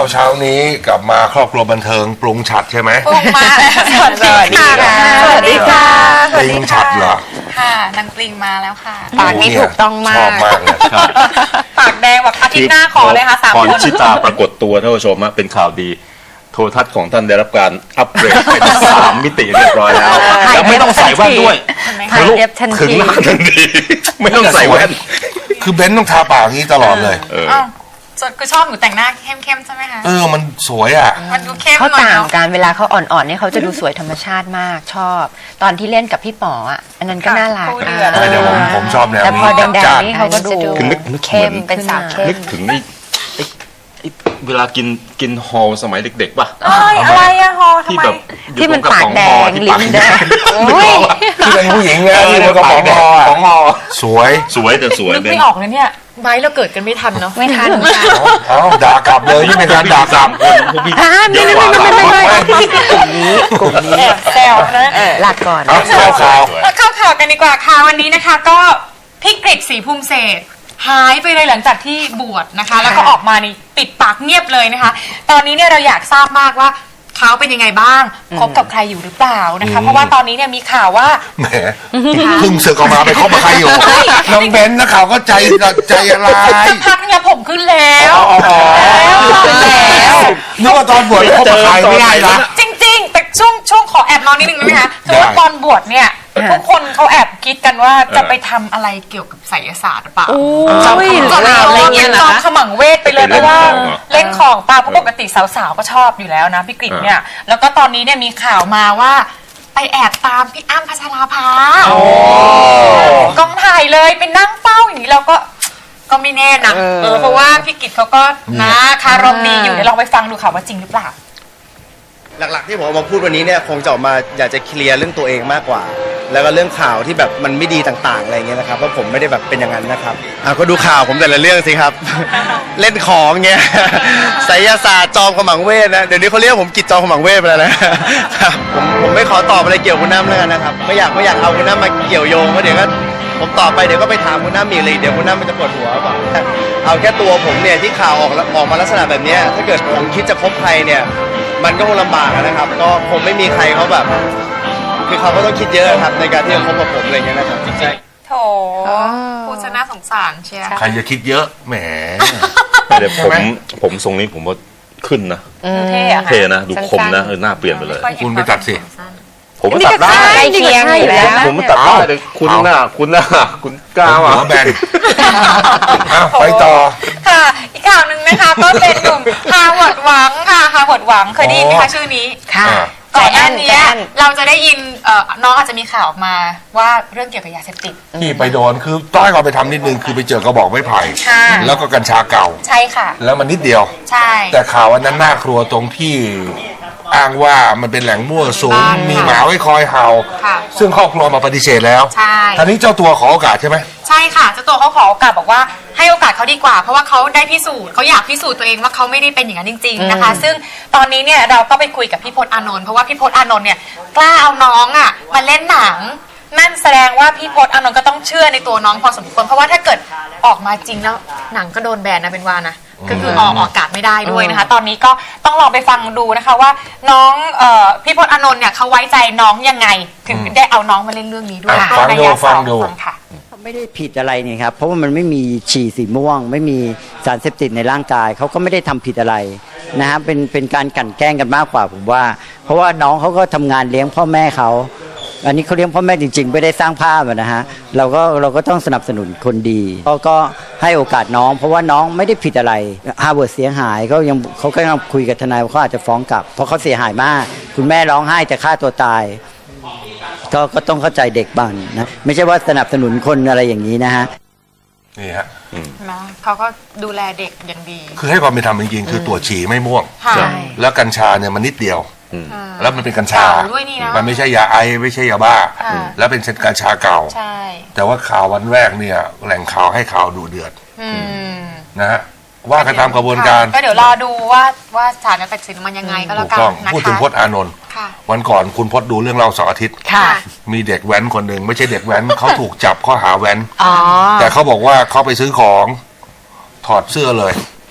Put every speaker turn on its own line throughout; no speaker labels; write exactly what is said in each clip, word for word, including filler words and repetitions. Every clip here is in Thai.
เช้านี้กลับมาครอบครัวบันเทิงปรุงฉัดใช่ไหม
ปรุงมาสวัสดีค่ะสวัสดีค่ะ
ปรุงฉัดเหรอ
ค่ะนางปริงมาแล้วค่ะ
ปากนี้ถูกต้องมาก
ชอบมากเลย
ปากแดงแบบอาทิตย์หน้าขอเลยค่ะสามคน
พรชิตาปรากฏตัวท่านผู้ชมเป็นข่าวดีโทรทัศน์ของท่านได้รับการอัปเกรดเป็นสามมิติเรียบร้อยแล้วแล้วไม่ต้องใส่แว่นด้วย
ถ่ายเอฟทันที
ถึงหน้าทันทีไม่ต้องใส่แว่น
คือเบนซ์ต้องทาปากนี้ตลอดเลย
ส่วนคือชอบหนูแต่งหน้าเข้มๆใช่ไหมคะ
เออมันสวยอ่ะ
มันดูเข้ม
เขาต่างกันเวลาเขาอ่อนๆเนี่ยเขาจะดูสวยธรรมชาติมากชอบตอนที่เล่นกับพี่ป๋ออ่ะอันนั้นก็น่ารัก
เดี๋ยวผมผมชอบแนวนี้
แต่พอแดงๆนี่เขาก็ดูเข้มเป็นสาวเข้ม
นึกถึงนี่เวลากินกินฮอลสมัยเด็กๆป่ะ
อะไรอะฮอลทำไม
ที่มันปากแดงลิ้นแดง
ที่เป็นผู้หญิงไงที่มันกระป๋องฮอของฮอสวย
สวยแต่สวย
ไม่ออกเลยเนี่ยไม้เราเกิดกันไม่ทันเนาะ
ไม่ทัน
เอ้าด่ากลับเลยนี่เป็นการด่ากลับ
อ่าไม่ไม่ไม่ไม่ไม่กลุ่มนี้กลุ่มนี้
แซวนะ
ลาก่อน
เข้าข่าว
เข้าข่าวกันดีกว่าค่ะวันนี้นะคะก็พี่กฤษศรีภูมิเศรษฐ์หายไปเลยหลังจากที่บวชนะคะแล้วก็ออกมานี่ปิดปากเงียบเลยนะคะตอนนี้เนี่ยเราอยากทราบมากว่าเขาเป็นยังไงบ้างคบกับใครอยู่หรือเปล่านะคะเพราะว่าตอนนี้เนี่ยมีข่าวว่า
แหมเพิ่งเสือกออกมาไปคบกับใครอยู่น้องเบนนะข่าวก็ใจใจอะไร
สักพักเนี่ยผมขึ้นแล้ว
แล้วนึกว่าตอนบวชคบกับใครไม่ได้นะ
จริงๆแต่ช่วงช่วงขอแอบนอนนิดนึงได้ไหมคะคือว่าตอนบวชเนี่ยทุกคนเขาแอบคิดกันว่าจะไปทำอะไรเกี่ยวกับไสยศาสตร์หรือเปล่าจอมอะไรเงี้ยจอมขมังเวทไปเลยเพราะว่าเล่นของปลาปกติสาวๆก็ชอบอยู่แล้วนะพี่กฤษเนี่ยแล้วก็ตอนนี้เนี่ยมีข่าวมาว่าไปแอบตามพี่อ้ำพัชราภากองถ่ายเลยไปนั่งเฝ้าอย่างนี้เราก็ก็ไม่แน่นะเออเพราะว่าพี่กฤษเขาก็นะคารมดีอยู่เดี๋ยวลองไปฟังดูค่ะว่าจริงหรือเปล่า
หลักๆที่ผมมาพูดวันนี้เนี่ยคงจะออกมาอยากจะเคลียร์เรื่องตัวเองมากกว่าแล้วก็เรื่องข่าวที่แบบมันไม่ดีต่างๆอะไรเงี้ยนะครับเพราะผมไม่ได้แบบเป็นอย่างนั้นนะครับอ่ะก็ดูข่าวผมแต่ละเรื่องสิครับ เล่นของเงี้ยไสยศาสตร์จอมขมังเวทนะเดี๋ยวนี้เขาเรียกผมกิจจอมขมังเวทไปแล้วนะผมผมไม่ขอตอบอะไรเกี่ยวกับคุณน้ำแล้วกันนะครับไม่อยากไม่อยากเอาคุณน้ำมาเกี่ยวโยงเพราะเดี๋ยวก็ผมตอบไปเดี๋ยวก็ไปถามคุณน้ำอีกเลยเดี๋ยวคุณน้ำมันจะปวดหัวเปล่าเอาแค่ตัวผมเนี่ยที่ข่าวออกออกมาลักษณะแบบนี้ถ้าเกิดผมคิดจะคบใครเนี่ยมันก็คงลำบากนะครับก็คงไม่มีใครเขาแบบคือเขาก็ต้องคิดเยอะครับในการที่จะคบกับผมอะไรเงี้ยนะครับจริงๆ
โถผู้ชนะสงสารเชียร์
ใครจะคิดเยอะแหม
เดี๋ยวผมผมทรงนี้ผมว่าขึ้นนะ
เท่อะ
เท่นะดูคมนะหน้าเปลี่ยนไปเลย
คุณไปตัดสิ
ผมตัดได้
เคียงอยู่แล้ว
ผมตัดได้เลยคุณหน้าคุณหน้าคุณกล้า
หัวแบนไปต่อ
ค่ะอีกข่าวหนึ่งนะคะก็เป็นหนุ่มฮาร์วาร์ดหวังค่ะฮาร์วาร์ดหวังเคยได้ยินไหมคะชื่อนี้
ค่ะ
ก่อนหน้านี้เราจะได้ยินน้องอาจจะมีข่าวออกมาว่าเรื่องเกี่ยวกับยาเสพติด
ที่ไปโดนคือต้อยก่อนไปทำนิดนึงคือไปเจอกระบอกไม้ไผ่แล้วก็กัญชาเก่า
ใช่ค่ะ
แล้วมันนิดเดียว
ใช่
แต่ข่าววันนั้นน่ากลัวตรงที่อ้างว่ามันเป็นแหล่งมั่วสุมมีหมาไว้คอยเห่าซึ่งครอบครัวมาปฏิเสธแล้ว
ใช่
ทีนี้เจ้าตัวขอโอกาสใช่ไหม
ใช่ค่ะเจ้าตัวเขาขอโอกาสบอกว่าให้โอกาสเขาดีกว่าเพราะว่าเขาได้พิสูจน์เขาอยากพิสูจน์ตัวเองว่าเขาไม่ได้เป็นอย่างนั้นจริงๆนะคะซึ่งตอนนี้เนี่ยเราก็ไปคุยกับพี่พจน์อานนท์เพราะว่าพี่พจน์อานนท์เนี่ยกล้าเอาน้องอ่ะมาเล่นหนังนั่นแสดงว่าพี่พจน์อานนท์ก็ต้องเชื่อในตัวน้องพอสมควรเพราะว่าถ้าเกิดออกมาจริงแล้วหนังก็โดนแบนนะเป็นว่านะก็คือออกอากาศไม่ได้ด้วยนะคะตอนนี้ก็ต้องลองไปฟังดูนะคะว่าน้องพี่พจน์อานนท์เนี่ยเขาไว้ใจน้องยังไงถึงได้เอาน้องมาเล่นเรื่องนี้ด้วย
ฟังดูฟังดู
ค่ะ
ไม่ได้ผิดอะไรนี่ครับเพราะว่ามันไม่มีฉี่สีม่วงไม่มีสารเสพติดในร่างกายเขาก็ไม่ได้ทำผิดอะไรนะฮะเป็นเป็นการกลั่นแกล้งกันมากกว่าผมว่าเพราะว่าน้องเขาก็ทำงานเลี้ยงพ่อแม่เขาอันนี้เขาเลี้ยงพ่อแม่จริงๆไม่ได้สร้างภาพนะฮะเราก็เราก็ต้องสนับสนุนคนดีเขาก็ให้โอกาสน้องเพราะว่าน้องไม่ได้ผิดอะไรฮาร์วาร์ดเสียหายเขายังเขาก็ยังคุยกับทนายว่าเขาอาจจะฟ้องกลับเพราะเขาเสียหายมากคุณแม่ร้องไห้จะฆ่าตัวตายก็ก็ต้องเข้าใจเด็กบ้างนะไม่ใช่ว่าสนับสนุนคนอะไรอย่างนี้นะฮะ
นี่ฮะ
นะเขาก็ดูแลเด็กอย่างดี
คือให้ความเป็นธรรมจริงๆคือตรวจฉี่ไม่ม่วงแล้วกัญชาเนี่ยมันนิดเดียวแล้วมันเป็นกัญชามันไม่ใช่ยาไอไม่ใช่ยาบ้าแล้วเป็นกัญชาเก่าแต่ว่าข่าววันแรกเนี่ยแหล่งข่าวให้ข่าวดูเดือดนะฮะว่ากันตามกระบวนการ
ก็เดี๋ยวรอดูว่าว่าศาลจะตัดสินมันยังไงก็แล้วกันนะคะ
พูดถึงพจน์อานนท์วันก่อนคุณพจน์ดูเรื่องเราเสาร์อาทิตย์มีเด็กแว้นคนหนึ่งไม่ใช่เด็กแว้นเขาถูกจับข้อหาแว้นแต่เขาบอกว่าเขาไปซื้อของถอดเสื้อเลย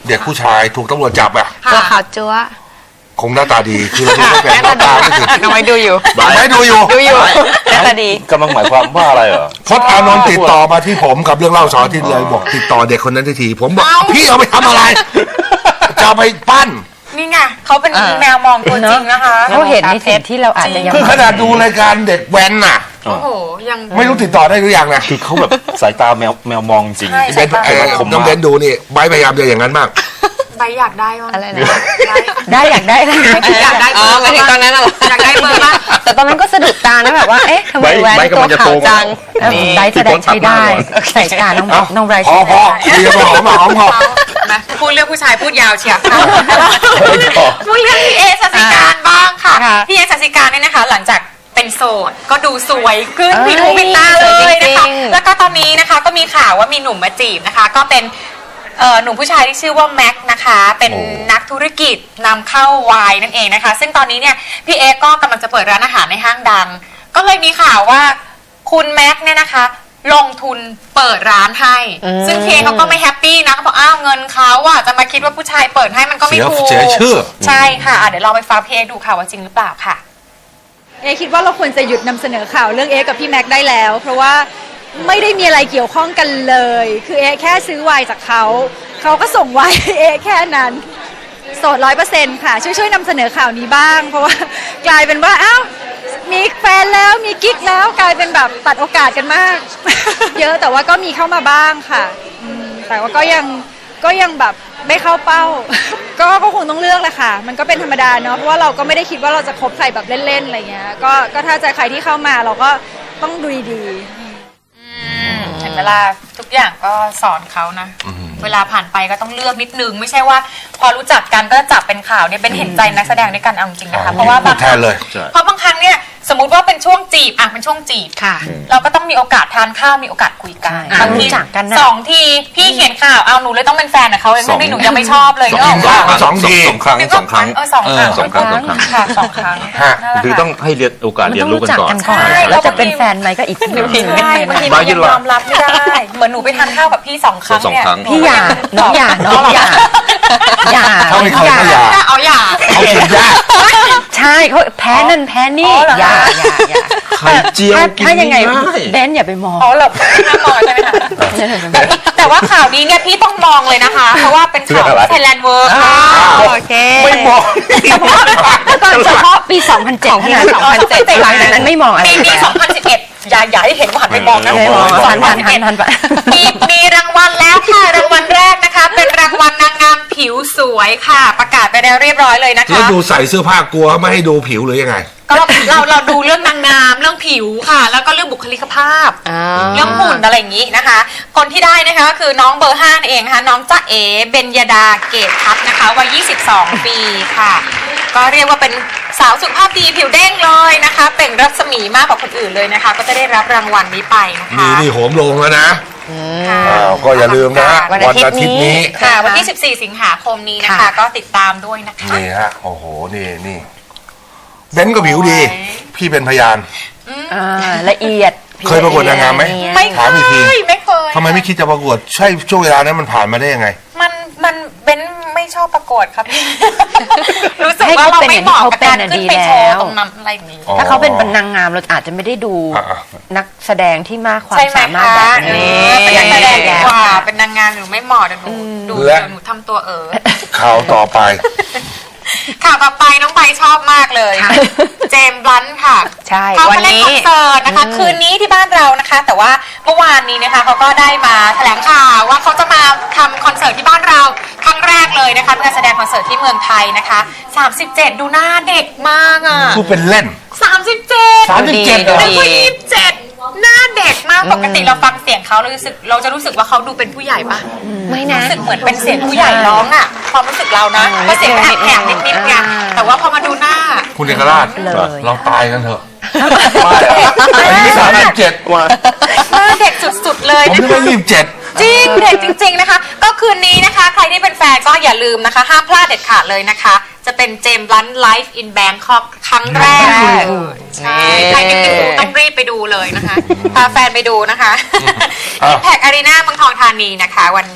เด็กผู้ชายถูกตำรวจจับอ่ะ
ตัวขาวจั๊ว
คงหน้าตาดีคือเราดูไม่เป็นหน้าตาไม่ถึง
น้องไว้ดูอยู่
ไม่ดูอยู่
ดูอยู่หน้าตาดี
กำลังหมายความว่าอะไรเหรอ
พจน์อานนท์ติดต่อมาที่ผมกับเรื่องเล่าเสาร์อาทิตย์เลยบอกติดต่อเด็กคนนั้นทีผมบอกพี่เอาไปทำอะไรจะเอาไปปั้น
นี่ไงเขาเป็นแมวมองตัวจริงนะคะ
เขาเห็นในสิ่งที่เราอาจจะยัง
คือขนาดดูรายการเด็กแว้นน่ะ
โอ้โหยัง
ไม่รู้ติดต่อได้หรือยังนะ
คือเขาแบบสายตาแมวแมวมองจริง
ใช่
เบนเอ่อน้องเบนดูนี่ใบพยายามจะอย่างนั้นมาก
ใบอยากได้บ้าง
อะไรนะได้อยากได้อะไรนะ
อยากได้เบอร์
มาถึงตอนนั้นเหรอ
อยากได้เบอร์บ้าง
แต่ตอนนั้นก็สะดุดตานะแบบว่าเอ๊ะทำไมแหวนตัวขาวจังได้แสดงใช้ได้ใส่ตาน้องน้องไร
พอพอเรียบร้อยมาหอมพอ
มาพูดเรื่องผู้ชายพูดยาวเชียวค่ะพูดเรื่องพี่เอสัสิการบ้างค่ะพี่เอสัสิการเนี่ยนะคะ หลังจากเป็นโสดก็ดูสวยขึ้นผิดหูผิดตาเลยนะคะแล้วก็ตอนนี้นะคะก็มีข่าวว่ามีหนุ่มมาจีบนะคะ ก็เป็นหนุ่มผู้ชายที่ชื่อว่าแม็กนะคะเป็นนักธุรกิจนำเข้าไวน์นั่นเองนะคะซึ่งตอนนี้เนี่ยพี่เอก็กำลังจะเปิดร้านอาหารในห้างดังก็เลยมีข่าวว่าคุณแม็กเนี่ยนะคะลงทุนเปิดร้านให้ซึ่งพี่เอเขาก็ไม่แฮปปี้นะเขาบอกอ้าวเงินเขาอะจะมาคิดว่าผู้ชายเปิดให้มันก็ไม่ถูก
เสียชื่อ
ใช่ค่ะเดี๋ยวเราไปฟังพี่เอดูค่ะว่าจริงหรือเปล่าค่ะ
เอคิดว่าเราควรจะหยุดนำเสนอข่าวเรื่องเอกับพี่แม็กได้แล้ว เพราะว่าไม่ได้มีอะไรเกี่ยวข้องกันเลย คือเอแค่ซื้อไวน์จากเขาเขาก็ส่งไวน์ให้เอแค่นั้นโสดร้อยเปอร์เซ็นต์ค่ะช่วยช่วยนำเสนอข่าวนี้บ้าง เพราะว่ากลายเป็นว่าอ้าวมีแฟนแล้วมีกิ๊กแล้วกลายเป็นแบบตัดโอกาสกันมาก เยอะแต่ว่าก็มีเข้ามาบ้างค่ะแต่ว่าก็ยังก็ยังแบบไม่เข้าเป้า ก็ก็คงต้องเลือกแหละค่ะมันก็เป็นธรรมดาเนาะเพราะว่าเราก็ไม่ได้คิดว่าเราจะคบใครแบบเล่นๆอะไรเงี้ยก็ก็ถ้าจะใครที่เข้ามาเราก็ต้องดูดีๆ
เห็นเวลาทุกอย่างก็สอนเขานะเวลาผ่านไปก็ต้องเลือกนิดนึงไม่ใช่ว่าพอรู้จักกันก็จับเป็นข่าวเนี่ยเป็นเห็นใจนักแสดงด้วยกันเอาจริงนะคะเพราะว่าบางครั้งเพราะบางครั้งเนี่ยสมมติว่าเป็นช่วงจีบอ่ะเป็นช่วงจีบค่ะเราก็ต้องมีโอกาสทานข้าวมีโอกาสคุยกันบางทีสองทีพี่เขียนข่าวเอาหนูเลยต้องเป็นแฟนกับเขาเองไม่หนูยังไม่ชอบเลยเนาะ
สองที
สองครั้งสองครั้ง
เออสองครั้ง
สองครั้งสองครั้ง
ค่ะสองครั้ง
คือต้องให้เรียนโอกาสเรียนรู้กันก่อน
ใช่แล้วจะเป็นแฟนไหมก็อีกทีนึง
ใช่บางทีมันยังยอมรับไม่ได้เหมือนหนูไปทานข้าวกับพี่สองครั้งเนี่ย
พี่อย่าน้องอย่าน้องอย่าอย่า
เขาไม่เคยเขาอย่า
เอาอย่า
เขากินยาก
ใช่เขาแพ้นั่นแพ้นี่อย่าอย่าอย่า
ไข่เจียวกิน
ถ้ายังไง
ง่าย
เบนอย่าไปมอง
อ๋อเหรอห้ามมองใช่ไหมคะแต่ว่าข่าวนี้เนี่ยพี่ต้องมองเลยนะคะ เพราะว่าเป็นข่าวไทยแลนด์เวิร์กค่ะ
โอเค
ไม่บอก
ตอนเฉพาะปี สองพันเจ็ด เท่านั้นสองพันเจ็ดหลังจากนั้นไม่มองอะไร
ปีนี้สองพันสิบเอ็ดอย่าอย่าให้เห็นว่าหันไปมองนะ
ไม่มองทันทันทันทันไป
มีมีรางวัลแล้วค่ะรางวัลแรกนะคะ เป็นรางวัลนางงามผิวสวยค่ะ ประกาศไปแล้วเรียบร้อยเลยนะคะ
แล้วดูใส่เสื้อผ้ากลัวไม่ให้ดูผิวหรือยังไง
ก็เราเราดูเรื่องนางงามเรื่องผิวค่ะ แล้วก็เรื่องบุคลิกภาพเรื่องหุ่นอะไรอย่างนี้นะคะ คนที่ได้นะคะก็คือน้องเบอร์ห้าเองนะคะน้องจ๊ะเอ๋เบญญดาเกตทัพนะคะวัยยี่สิบสองปีค่ะ ก็เรียกว่าเป็นสาวสุขภาพดีผิวเด้งเลยนะคะเป็นรัศมีมากกว่าคนอื่นเลยนะคะ ก็จะได้รับรางวัลนี้ไปนะคะ
นี่นี่โหมลงแล้วนะ
ค่ะ
อ้าวก็อย่าลืมนะ
วัน
วัน
อา
อา
ทิ
ทิ
ต
ต
ย์
ย์
นี้
นี้
ค่ะวันที่สิบสี่สิงหาคมนี้นะคะ
ค่ะ
ก็ติดตามด้วยนะคะ
นี่ฮะโอ้โหนี่นี่เบนก็ผิวดี พี่เป็นพยาน
อ่าละเอียด
เคยประกวดนางงามไหม
ไม่
ถามอีกที
เคยไม่เคย
ทำไมไม่คิดจะประกวดใช่ช่วงเวลานั้นมันผ่านมาได้ยังไง
มันมันเบนไม่ชอบประกวดครับพี่ รู้สึก
ให้
ว่า
เขา
เรา
เป็น
ไม่
อย่าง
เห
ที่
มาะ
เขา
กับ
เป็น
การ
น่ะ
ขึ้น
ดี
ไปโช
แล้
ว์
ว
ตรงนั้นอะไรอย่างนี้
อ๋อ
ถ้าเขาเป็นนางงามเราอาจจะไม่ได้ดู
อ่ะ
นักแสดงที่มากความ
ใช่ไหม
สามารถ
คะ
แบบ
เอ
นี้
อเป็นนักแสดงดีกว่า
ค่ะ
เป็นนางงามหนูไม่เหมาะเดี๋ยวหนูดู
และ
เดี๋ยวหนูทำตัวเออ
ข่าวต่อไป
ข่าวต่อไปน้องใบชอบมากเลย เจมส์บลันท์ค่ะ
ใช่
เขา
วั
มาน เล่น
นี้
คอนเสิร์ตนะคะ คืนนี้ที่บ้านเรานะคะ แต่ว่าเมื่อวานนี้นะคะเขาก็ได้มาแถลงข่าวว่าเขาจะมาทำคอนเสิร์ตที่บ้านเราครั้งแรกเลยนะคะเป็นการแสดงคอนเสิร์ตที่เมืองไทยนะคะสามสิบเจ็ดดูหน้าเด็กมากอ่ะ
พูดเป็นเล่น
สามสิบเจ็ด
สามสิบเจ็ด
ดู
เป็น
ดี
ผู้ยี่สิบเจ็ดหน้าเด็กมากปกติเราฟังเสียงเขาเรารู้สึกเราจะรู้สึกว่าเขาดูเป็นผู้ใหญ่ปะ
ไม่นะ
รู้สึกเหมือนเป็นเสียงผู้ใหญ่ร้องอ่ะความรู้สึกเรานะเพราะเสียงแหบๆนิดๆไงแต่ว่าพอมาดูหน้า
คุณเอกราช
เลย
เราตายกันเถอะอายุสามสิบเจ็ด
หน้าเด็กสุดๆเลย
ผม
นะ
นึก
คะ
ว่ายี่สิบเจ็ด
จริงเด็กจริง ๆนะคะ ก็คืนนี้นะคะ ใครที่เป็นแฟนก็อย่าลืมนะคะห้ามพลาดเด็ดขาดเลยนะคะ จะเป็นเจมส์บลันท์ไลฟ์อินแบงคอกครั้งแรกเลยใช่ใครไม่ไปดูต้องรีบไปดูเลยนะคะพาแฟนไปดูนะคะอิมแพคอารีนาเมืองทองธานีนะคะวันนี้ค่ะ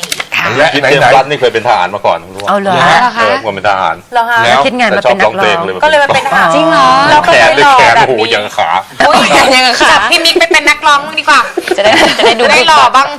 และ
คิด
ไหน
เตรียม
ไหน
รัฐนี่เคยเป็นทหารมาก่อนรู้ป่ะ
เอาเหรอ
เหรอ
เอ
คะ
อผมเป็นทหาร
เหรอคะ
แล้ว
คิดงานมา
แต่ช
เป็
อน บ
นั
ร้
ก
องเพล
ร้อง ง
เลย
ก็เลยมาเป็นทหาร
จริงเหรอ
เราก็
แข
เล
น
ย
เลย
หล่อ
แขน
แบบ
โอ้โห
นี้
ยังขา
อุ๊ย
ยังไงคะ
จับพี่มิกไปเป็นนักร้องบ้างดีกว่า
จะได้จะได้ดู
ได้หล่อบ้าง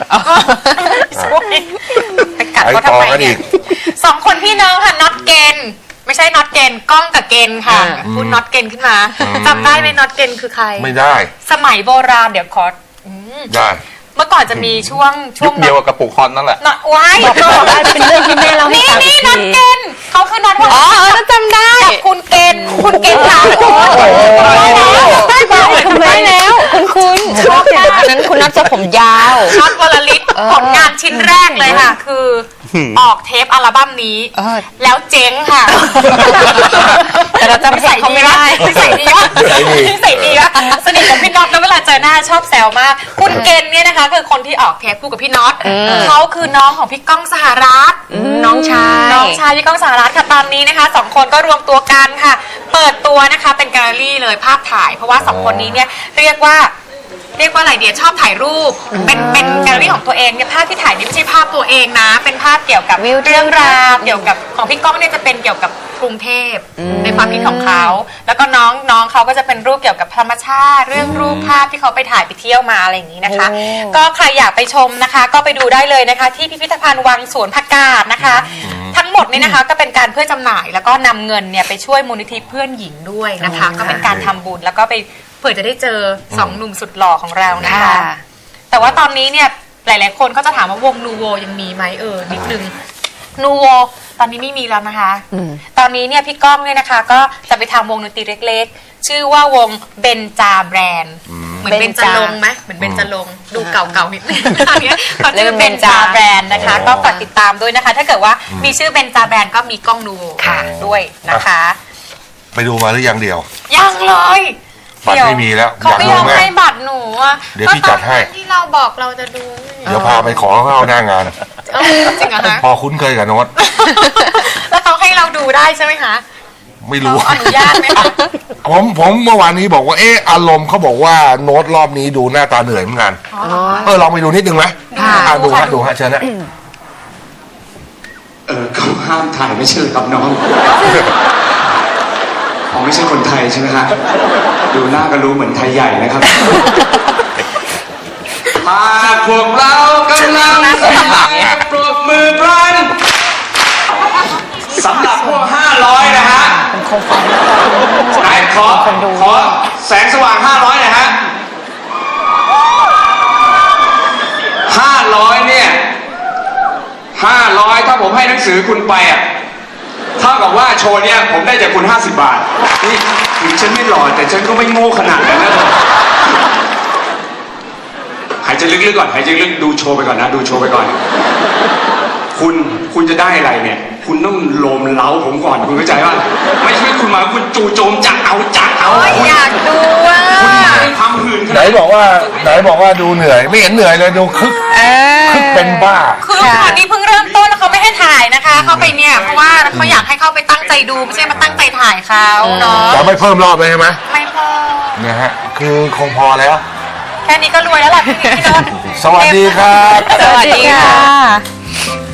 ไปกัดเขาทำไม
ไปต่อกันอี
เนี่ย
ก
สองคนพี่น้องค่ะน็อตเกนไม่ใช่น็อตเกนกล้องกับเกนค่ะพูดน็อตเกนขึ้นมาจำได้ไหมน็อตเกนคือใคร
ไม่ได้
สมัยโบราณเดี๋ยวขออืม
ได้
เมื่อก่อนจะมีช่วงช่
ยุ
วง
คเดียวกับกระปุกฮอนนั่นแหละ
น็อตไว้
บอกบอกได้เป็นเรื่องที่แม่เราให้
นี่
ฟัง
นี่
อีก
น็อต
ที
เกนเขาคือน็อตว่า
อ๋อเออจำได้
กับคุณเกนคุณเกนถามคุณ
ได้บอกทำไมแล้วคุณคุณชอบค่ะอันนั้นคุณนัทจะผมยาว
น็อตวลลิตผลงานชิ้นแรกเลยค่ะ คือออกเทปอัลบั้มนี้
เออ
แล้วเจ๊งค่ะ
แต่เราจำเพลงเขาไม่ได้
นิสัยดีวะนิสัยดีวะสนิทกับพี่น็อตแล้วเวลาเจอหน้าชอบแซวมาก คุณเกณฑ์เนี่ยนะคะ คือคนที่ออกเทปคู่กับพี่น็อตเขาคือน้องของพี่ก้องสหรัฐ
น้องชาย
น้องชายพี่ก้องสหรัฐค่ะตอนนี้นะคะสองคนก็รวมตัวกันค่ะ เปิดตัวนะคะเป็นแกลเลอรี่เลยภาพถ่าย เพราะว่าสองคนนี้เนี่ยเรียกว่า เรียกว่าอะไรเดียชอบถ่ายรูป เป็นเป็นแกลเลอรี่ของตัวเองเนี่ยภาพที่ถ่ายนี่ไม่ใช่ภาพตัวเองนะ เป็นภาพเกี่ยวกับ
วิว
เรื่องราวเกี่ยวกับของพี่ก้องเนี่ยจะเป็นเกี่ยวกับกรุงเทพในความคิดของเขาแล้วก็น้องน้องเขาก็จะเป็นรูปเกี่ยวกับธรรมชาติ เรื่องรูปภาพที่เขาไปถ่ายไปเที่ยวมาอะไรอย่างนี้นะคะ ก็ใครอยากไปชมนะคะ ก็ไปดูได้เลยนะคะ ที่พิพิธภัณฑ์วังสวนผักกาดนะคะ ทั้งหมดนี่นะคะก็เป็นการเพื่อจำหน่าย แล้วก็นำเงินเนี่ยไปช่วยมูลนิธิเพื่อนหญิงด้วยนะคะ ก็เป็นการทำบุญแล้วก็ไปเผื่อจะได้เจอสองหนุ่มสุดหล่อของเรานะคะ แต่ว่าตอนนี้เนี่ยหลายๆคนก็จะถามว่าวงนูโวยังมีไหมเออนิดนึงนูโวตอนนี้ไม่มีแล้วนะคะ ตอนนี้เนี่ยพี่ก้องเนี่ยนะคะ ก็จะไปทำวงดนตรีเล็กๆ ชื่อว่าวงเบนจาแบรนด์เหมือนเบนจาลงไหมเหมือนเบนจาลงดูเก่าๆนิดนึงตอนนี้เขาชื่อเบนจาแบรนด์นะคะ ก็ฝากติดตามด้วยนะคะ ถ้าเกิดว่ามีชื่อเบนจาแบรนด์ก็มีก้องนูโวค่ะด้วยนะคะ
ไปดูมาหรือยังเดียว
ยังเลย
บัตรไม่มีแล้ว
เขาไม่
อย
อ
าก
ม
รู้แม่
ให้บัตรหนูอ่ะ
เดี๋ยวพี่จัดให้
ก็ตอนที่เราบอกเราจะดู
เดี๋ยวพาไปขอเข้าหน้างาน
เอ้าจริงเหรอคะ
พอคุ้นเคยกับโน้ต
แล้วเขาให้เราดูได้ใช่ไหมคะ
ไม่
เรา
รู้
อนุญาตไหมคะ
ผมผมเมื่อวานนี้บอกว่าเอออารมณ์เขาบอกว่าโน้ตรอบนี้ดูหน้าตาเหนื่อยเหมือนกันเออลองไปดูนิดนึงไหมอ่ะดูฮะดูฮะเชิญนะ
เออเขาห้ามถ่ายไม่ใช่เหรอครับน้องผมไม่ใช่คนไทยใช่ไหมฮะดูหน้าก็รู้เหมือนไทยใหญ่นะครับหากพวกเรากำลังสมัครปรบมือพลันสำหรับพวกห้าร้อยนะฮะไหนขอขอแสงสว่างห้าร้อยหน่อยฮะห้าร้อยเนี่ยห้าร้อยถ้าผมให้หนังสือคุณไปอ่ะเท่ากับว่าโชว์เนี้ยผมได้จากคุณห้าสิบบาทนี่ถึงฉันไม่หล่อแต่ฉันก็ไม่โง่ขนาดนั้นนะหายใจลึกๆก่อนหายใจลึกดูโชว์ไปก่อนนะดูโชว์ไปก่อนคุณคุณจะได้อะไรเนี่ยคุณต้องโลมเล้าผมก่อนคุณเข้าใจป่ะไม่ใช่คุณมาคุณจู่โจมจักเอาจักเอา
โอ้ยอยากดูอ่ะ
คุณไม่ทำหื่นข
ไหน
นาด
บอกว่าไหนบอกว่าดูเหนื่อย ไม่เห็นเหนื่อยเลยดูคึกคึกเป็นบ้า
คือตอนนี้เพิ่งเริ่มต้นแล้วเขาไม่ให้ถ่ายนะคะ เข้าไปเนี่ยเพราะว่าเขาอยากให้เข้าไปตั้งใจดูไม่ใช่มาตั้งใจถ่ายเขาเนาะ
จะไม่เพิ่มรอบเลยใช่ไหม
ไม่พอ
นะฮะคือคงพอแล้ว
แค่นี้ก็รวยแล้วล่ะพี่นิกพี่นนท์
สวัสดีครับ
สวัสดีค่ะ